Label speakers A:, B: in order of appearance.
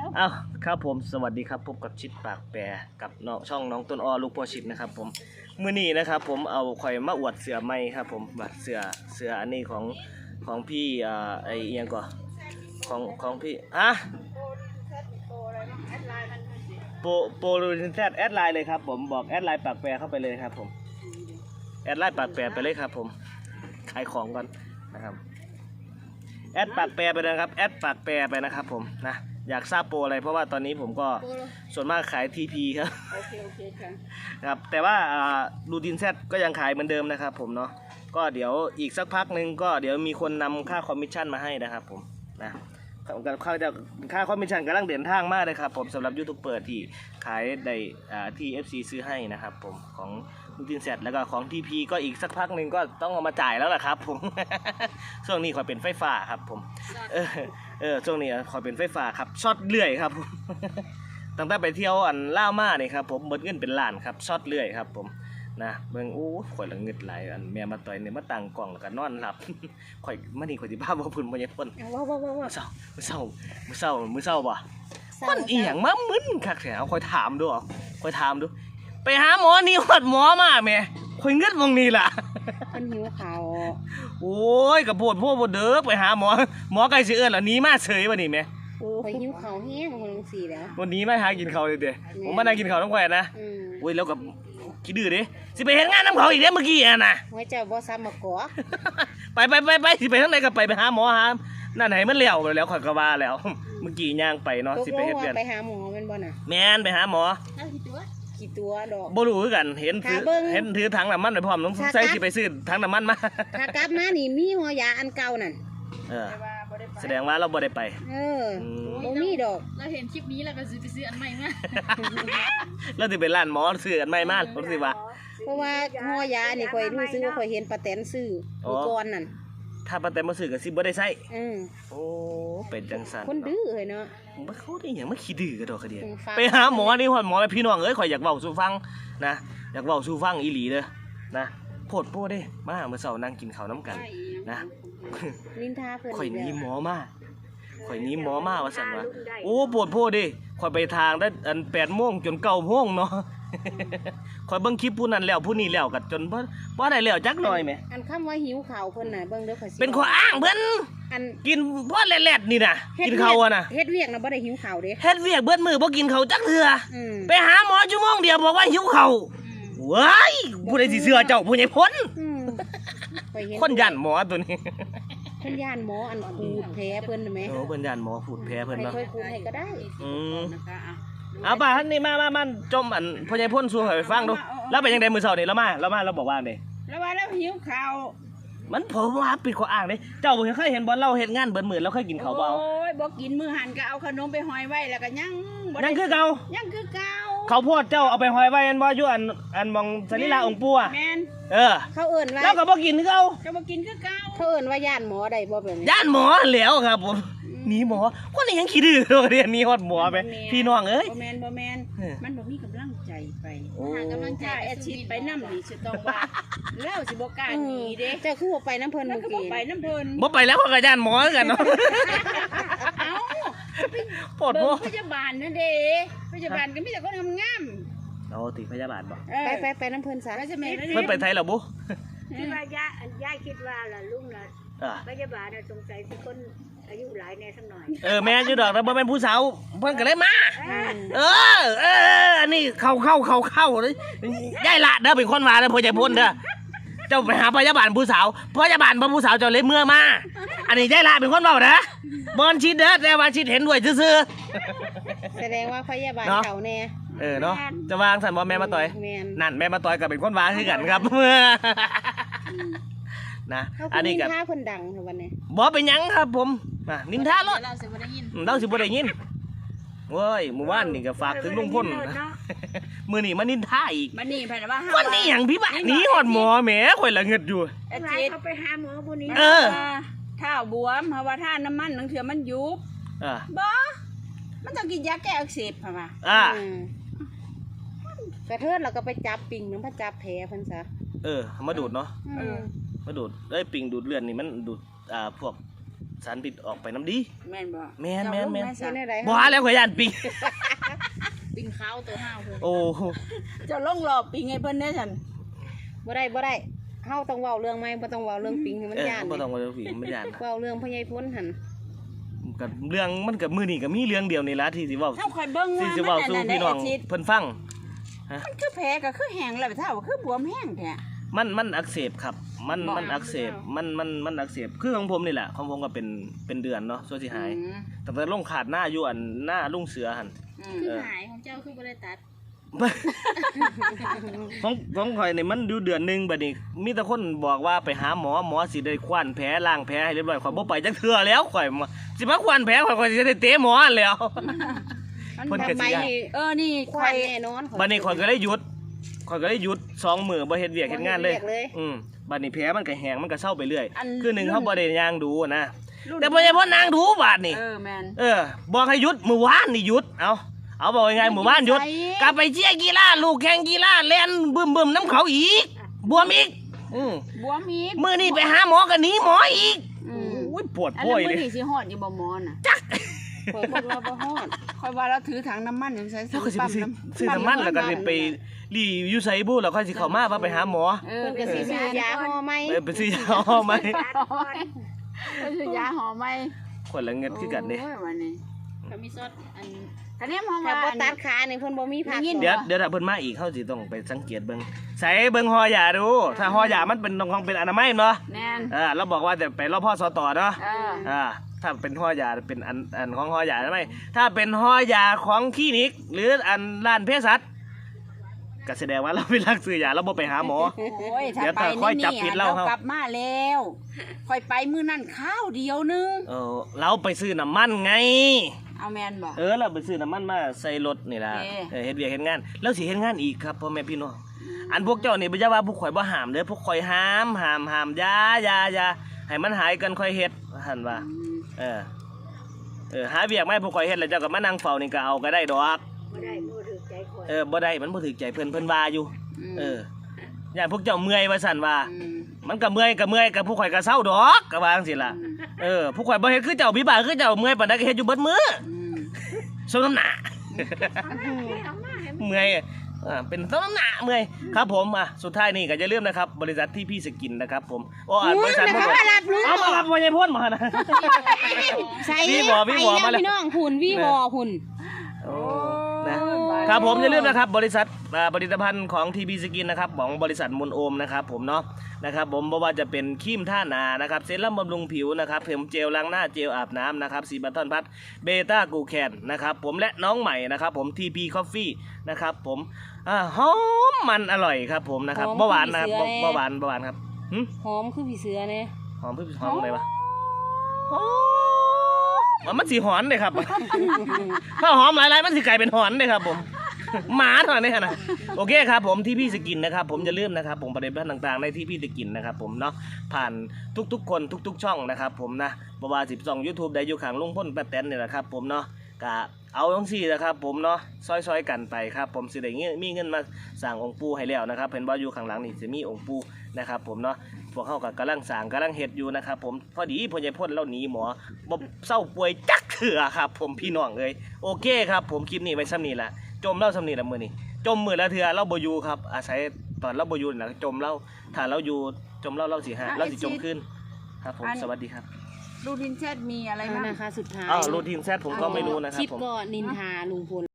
A: อ้าวครับผมสวัสดีครับพบกับชิดปากแปรกับน้องช่องน้องต้นอ้อลูกพ่อชิดนะครับผมมื้อนี้นะครับผมเอาข่อยมาอวดเสือไม้ครับผมบัดเสืออันนี้ของพี่ไอเอียงก่อนของพี่โปรลูนแซดแอดไลน์เลยครับผมบอกแอดไลน์ปากแปรเข้าไปเลยครับผมแอดไลน์ปากแปรไปเลยครับผมขายของก่อนนะครับแอดปากแปรไปนะครับแอดปากแปรไปนะครับผมนะอยากทราบโปรอะไรเพราะว่าตอนนี้ผมก็ส่วนมากขาย TP ครับโอเคครับแต่ว่ารูทินแซดก็ยังขายเหมือนเดิมนะครับผมเนาะก็เดี๋ยวอีกสักพักนึงก็เดี๋ยวมีคนนำค่าคอมมิชชั่นมาให้นะครับผมนะค่าคอมมิชชั่นกำลังเดินทางมากเลยครับผมสำหรับยูทูบเบอร์ที่ขายในที่ FC ซื้อให้นะครับผมของรูทินแซดแล้วก็ของ TP ก็อีกสักพักนึงก็ต้องเอามาจ่ายแล้วล่ะครับผม ช่วงนี้ขอเป็นไฟฟ้าครับผมช่วงนี้ขอเป็นไฟฟ้าครับช็อตเลื่อยครับผม ตั้งแต่ไปเที่ยวอันล่าวมาเนี่ยครับผมเบิดเงินเป็นล้านครับช็อตเลื่อยครับผมนะเบิ่งโอ้ข่อยละเงิดหลายอันแม่มาต่อยเนี่ยมาตั้งกล่องแล้วก็นอนหลับ ข่อยมื้อนี้ข่อยสิพาบ่พุ่นบ่ยายพ่นมื้อเช้าบ่คนอีหยังมามึนคักแท้เอาข่อยถามดูไปหาหมอนี่ฮอดหมอมาแม่ข่อยเงิดมองนี่ล่ะ
B: เพิ่นหิวข้าว
A: โอ้ยกระโพดพวกบ่เด้อไปหาหมอใกล้สิเอิ้นแล้วหนีมาเฉยบ่นี่แม่
B: ไปหิวข้าวแห้งคนจังซี่แล้ว
A: วันนี้มาหากินข้าวเด้อผมมานั่งกินข้าวนำข่อยนะโอ้ยแล้วก็ขี้ดื้อเด้สิไปเฮ็ดงานนำเขาอีกเด้เมื่อกี้อ่ะน่ะ
B: โอ้ยเจ้าบ่ซ้ำมากอ
A: ไปสิไปทางไหนก็ไปหาหมอหานั่นให้มันแล้วแล้วข่อยก็ว่าแล้วเมื่อกี้ย่างไปเนาะสิไปเฮ็ดเวียน
B: ไปหาหมอแม่นบ่น่ะ
A: แม่นไปหาหมอ
B: กี่ตัวดอก
A: บ่รู้คือกันเห็นถือถังน้ำมันไว้พร้อมต้องใส่สิไปซื้อถังน้ำมันมา
B: ถ้ากลับมานี่มีหัวยาอันเก่านั่น
A: แสดงว่าเราบ่ได้ไป
B: บ่มีดอก
C: เราเห็นคลิปนี้แล้วก็ไปซื้ออันใหม่มา
A: แล้วสิไปร้านหมอซื้ออันใหม่มาผมสิว่า
B: เพราะว่าหัวยานี่ข่อยรู้สึกว่าข่อยเห็นป้าแตนซื้อมื้อก่อนนั่น
A: ถ้าป้าแตนบ่ซื้อก็สิบ่ได้ใช้โอ้เป็นจังซั่น
B: คนดื้อเฮ้ยเนาะ
A: บ่เขาได้หยังมาขี้ดื้อกระดอกกระเดียไปหาหมอนี่ฮอดหมอพี่น้องเอ้ยข่อยอยากเว้าสู่ฟังนะอยากเว้าสู่ฟังอีหลีเด้อนะโพดโพเด้มาเมื่อเช้านั่งกินข้าวนำกันนะ
B: นินทาเพิ่น
A: ข่อยหนีหมอมาว่าซั่นว่าโอ้โพดโพเด้ข่อยไปทางได้อัน 8:00 นจน 9:00 นเนาะข่อยเบิ่งคลิปผู้นั้นแล้วผู้นี้แล้วก็จนบ่ได้แล้วจักหน่อยแหม
B: อันคำว่าหิวข้าวเพิ่นน่ะเบิ่งเด้อข่อยสิ
A: เป็นข้ออ้างเพิ่นกินพอแลดๆนี่น่ะกินข้าวอ่ะน่ะ
B: เฮ็ดเวียกน่ะบ่ได้หิวข้าวเด้
A: เฮ็ดเวียกเบิดมื้อบ่กินข้าวจักเทื่อไปหาหมอชั่วโมงเดียวบอกว่าหิวข้าวว้ายผู้ใดสิเชื่อเจ้าผู้ใหญ่พ้นคนย่านหมอตัวนี้
B: เพิ่นย่านหมออันขูดแผลเพิ่นน่ะแหม
A: เพิ่นย่านหมอขูดแผลเพิ่นเนาะ
B: ค่อยขูดให้ก็ได้
A: เอาป่ะนี่มาจมอันพ่อใหญ่พ้นสู่ให้ฟังดูแล้วเป็นจังได๋มื้อเช้านี่เราบอกว่าเด้
B: แล้วว่าแล้วหิวข้าว
A: มันผมว่าปิดข้ออ้างเด้เจ้าบ่เคยเห็นบ่เราเฮ็ดงานเบิดมื้อเราเคยกินข้าวบ่
B: โอ้ยบ่กินมื้อหันก็เอาขนมไปห้อยไว้แล้วก็ยัง
A: คือเก่าข้าวโพดเจ้าเอาไปห้อยไว้อันบ่อยู่อันมองสรีระองค์ปู่อ่ะ
B: แม่น
A: เขาเอิ้นว่าแล้วก็บ่กินคือเก่า
B: จะบ่กินคือเก่าเขาเอิ้นว่าย่านหมอได้บ่แบบนี้
A: ย่านหมอแล้วครับผมหนีหมอคนนี้ยังขี้ดื้อเรียนนี้ฮอดหมอไปพี่น้องเอ้ย
B: บ่แม่นมันบ่มีกำลังใจไปหากำลังใจแอดชิดไปนำนี่สิต้องว่าแล้วสิบ่กล้าหนีเด้เจ้าคือบ่ไปน้ำเพิ่นเมื่อกี้บ่ไปน้ำเพิ่น
A: บ่ไปแล้วก็ย่านหมอกันเนาะ
B: เอ้าปวดพยาบาลนั่นเด้พยาบาลก็มีแต่คนงาม
A: เอาติพยาบาลบ่
B: ไปน้ำเพิ่นซะ
A: เพิ่นไปไทยแล้วบ่
D: คิดว่ายายคิดว่าล่ะลุงน่ะพยาบาลน่ะสงสัยสิคนอายุหลายแน่สักหน่อย
A: แม่อยู่ดอกแต่บ่แม่นผู้สาวเพิ่นก็เลยมาอันนี้เข้าเลยยายละเด้อเป็นคนว่าเด้อพ่อใหญ่พ้นเด้อเจ้าไปหาพยาบาลผู้สาวพยาบาลบ่ผู้สาวเจ้าเลยเมื่อมาอันนี้ยายละเป็นคนเว้าเด้อบอนชิดเด้อแต่ว่าชิดเห็นด้วยซื่อ
B: แสดงว่าพยาบาลเขาแน่
A: เนาะจะวางสั่นบ่แม่มาต่อยนั่นแม่มาต่อยก็เป็นคนว่าคือกันครับนะอันนี้ก็
B: นินทาเพิ่นดังวันนี้
A: บ่เป็นหยังครับผมนินทารถ
C: เราสิบ่ได้ยิน
A: เว้ยเมื่อวานนี่ก็ฝากถึงลุงพลมื้อนี้มานินทาอีก
B: มื้อนี้เพิ่นว่า
A: วันนี้หยังพี่บ้าหนีฮอดหมอแหมข่อยละเงิดอยู่
D: เขาไปหาหมอผู้นี้
B: เท้าบวมเพราะว่าท่าน้ำมันบางเทื่อมันยุบบ่มันต้องกินยาแก้อักเสบค่ะว่ากระเทิดเราก็ไปจับปิ่งมันพะจับแผลเพิ่นซะ
A: มาดูดเนาะมาดูดปิ่งดูดเลือดนี่มันดูดพวกสารพิษออกไปน้ำดี
B: แม่นบ่
A: แม่น
B: เจ้าลง
D: เฮ็ดได้ได
A: บ่หาแล้วข่อยย่านปิง
C: ปิงขาวตัวห้าวเพิ่น
A: โอ้
B: เจ้าลงรอบปิงให้เพิ่นได้ฉัน
D: บ่ได้เฮาต้องเว้าเรื่องใหม่บ่ต้องเว้าเรื่องปิงให้มันย่าน
A: บ่ต้องว่าผีมันย่าน
D: เว้าเรื่องพญายพ้นหั่น
A: ก็เรื่องมันก็มื้อนี้ก็มีเรื่องเดียวนี่ล่ะที่สิเว้า
B: เฮาค่อยเบิ่ง
A: ที่
B: ว่า
A: สิ
B: มั
A: เว้าน สู่
B: อันนั้น
A: พี่น้อง
B: ได้อาทิตย์
A: เพิ่นฟัง
B: มันคือแผลก็คือแห้งแล้วเท่าคือบวมแห้งแท้
A: มันอักเสบครับ มันอักเสบมันอักเสบคือของผมนี่แหละของผมก็เป็นเดือนเนาะส่วนสิหาย
B: อืม
A: แต่ลงขาดหน้าอยู่อันหน้าลุงเสือหั่น
B: อืม
C: คือหายของเจ้าคือบ่ได้ตัด
A: ของข่อยนี่มันอยู่เดือนหนึงบัดนี้มีแต่คนบอกว่าไปหาหมอสิได้คว้านแผลล้างแผลให้เรียบร้อยข่อยบ่ไปจักเทื่อแล้วข่อยสิมาคว้านแผลข่อยสิได้เตะหมอแล้ว เพิ่นก็สิ
D: ทำไม
A: ย้าน
D: นี่
B: นี่
D: ควา
B: ข่อย
D: แน่นอน
A: บัดนี้ข่อยก็ได้หยุด2 มื้อบ่เฮ็ดเวียกเฮ็ดงานเลย
D: บ่เฮ็ดเวียกเลย
A: บัดนี้แผลมันก็แห้งมันก็เศร้าไปเรื่อย
B: อัน
A: คือหนึ่งเขาบ่ได้ย่างดูนะ
B: รุ่น
A: แต่บ่ใช่เพราะนางดูบาดนี่
B: แม่น
A: บอกให้หยุดมื้อวานนี่หยุดเอาบอกยังไงมื้อวานหยุด
B: ไป
A: กลับไปเชียร์กีฬาลูกแข่งกีฬาเล่นบึ้มน้ำเขาอีกบวมอีก
B: บวมอีก
A: มื้อนี้ไปหาหมอก็หนีหมออีก
B: อืม
A: โอ้ยปวด
B: อัน
A: ป่
B: นั้
A: วย
B: น
A: เล
B: มื้อย นี้สิฮอดอยู่บ่หมอน่ะ
D: ข่อยบอกว่าบ่ฮอด
B: ค่อยว่าเราถือถังน้ำมันอยู่ใส่
A: แล้วก็สิไปซื้อน้ำมันแล้วก็สิไปรีอยู่ไสบุแล้วค่อยสิเข้ามาว่าไปหาหมอ
B: เออ
D: เพิ่นก็สิซื้อยาห่อไหม
A: ไปซื้อยาหอไหม
B: เพิ่นซื้อยาหอมไหม
A: คนละเงินคือกันเด้
B: โยวันนี้
C: ก็มีซอสอัน
B: คันนี้มอง
D: ถ้า
B: ว่า
D: บ่ตัดขานี่เพิ่นบ่มีผัก
B: ได้ยิน
A: เดี๋ยวถ้าเพิ่นมาอีกเฮาสิต้องไปสังเกตเบิ่งใส่เบิ่งห่อยาดูถ้าห่อยามันเป็นของเป็นอนามัยเนาะ
B: แน่น
A: เราบอกว่าจะไปรอบพ่อสตเนาะ
B: เออ
A: ถ้าเป็นห่อยาเป็นอันของห่อยาใช่ไหมถ้าเป็นห่อยาของคลินิก หรืออันร้านเภสัชก็แสดงว่าเราเป็นรักซื้อยาเราบ่ไปหาหมอ
B: โอ้ยถ้า
A: เดี๋ยว
B: ไป
A: ค่อยจับ
B: นี่
A: ผิด
B: เรา
A: เรา
B: กลับมาแล้วค่อยไปมื้อนั้นข้าวเดียวนึง
A: เราไปซื้อน้ำมันไง
B: เอาแม่นบ่
A: เราไปซื้อน้ำมันมาใส่รถนี่ล่ะ
B: โอเค
A: เฮ็ดเวียกเฮ็ดงานแล้วสิเฮ็ดงานอีกครับพ่อแม่พี่น้องอันพวกเจ้านี่บ่อย่าว่าพวกข่อยบ่ห้ามเด้อพวกข่อยห้ามอย่าให้มันหายกันค่อยเฮ็ดหั่นว่า หาเวียกไม่พวกข่อยเฮ็ดแล้วเจ้าก็มานั่งเฝ้านี่ก็เอาก็ได้ดอก
D: บ่ได้บ่ถูกใจข่อย
A: บ่ได้มันบ่ถูกใจเพิ่นว่าอยู่
B: ม
A: ย่านพวกเจ้าเมื่อยว่าซั่นว่า
B: อืม
A: มันก็เมื่อยกับพวกข่อยก็เศร้าดอกก็ว่าจังซี่ล่ะ พวกข่อยบ่เฮ็ดคือเจ้าพี่บ่าคือเจ้าเมื่อยปานใดก็เฮ็ดอยู่เบิดมื้อ
B: อืม
A: สมน้ำหน้า
D: เอามาให้
A: เมื่อยเป็นสมน้ำหน้าเมื่อยครับผมสุดท้ายนี่ก็อย่าลืมนะครับบริษัทที่พี่สกินนะครับผมบริษัท
D: นะคะมารับรู้
A: เอามารับบ่ใช่พ่นมานะ
D: ใส่
A: พี่บ่มาแล้ว
D: พี่น้องหุ่นพี่บ่หุ่น
A: นะครับผมอย่าลืมนะครับบริษัทผลิตภัณฑ์ของทีพีสกินนะครับของบริษัทมนโอมนะครับผมเนาะนะครับผมเพราะว่าจะเป็นครีมท่านานะครับเซรั่มบำรุงผิวนะครับผมเจลล้างหน้าเจลอาบน้ำนะครับซีบัตทอนพัทเบต้ากูแคนนะครับผมและน้องใหม่นะครับผมทีพีคอฟฟี่นะครับผมหอมมันอร่อยครับผมนะครับเบาหวานนะครับเบาหวานครับ
D: หอมคือผีเสือเนี่ย
A: หอมหอมอะไรวะหอมมันสีหอนเลยครับ ถ้าหอมหลายๆมันสิกลายเป็นหอนเลยครับผมหมาเท่านั้นเลยนะโอเคครับผมที่พี่สกินนะครับผมจะเริ่มนะครับผมประเด็นต่างๆในที่พี่สกินนะครับผมเนาะผ่านทุกๆคนทุกๆช่องนะครับผมนะบว่า12 YouTube ได้อยู่ข้างลุงพ่นป้าแตนนี่แหละครับผมเนาะก็เอาทั้งสี่นะครับผมเนาะซอยๆกันไปครับผมสิได้มีเงินมาสร้างองค์ปู่ให้แล้วนะครับเห็นว่าอยู่ข้างหลังนี่จะมีองค์ปู่นะครับผมเนาะพวกเขาก็กำลังสร้างกำลังเฮ็ดอยู่นะครับผมพอดีพ่อใหญ่พ่นเราหนีหมอบ่เศร้าป่วยจักเถื่อครับผมพี่น้องเอ้ยโอเคครับผมคลิปนี้ไว้ซ้ำนี้ละจมเล่าซ้ำนี้ละมื้อนี้จมมื้อละเถื่อเราบ่อยู่ครับอาศัยตอนเราบ่อยู่น่ะจมเล่าถ้าเราอยู่จมเล่าเราสิเราสิจมขึ้นครับผมสวัสดีครับ
B: รูทินแชทมีอะไรบ้าง
D: นะคะสุดท้าย
A: รูทีนแซดผมก็ไม่รู้นะครับ
D: คลิป
A: ผม
D: ก็นินทาลุงพล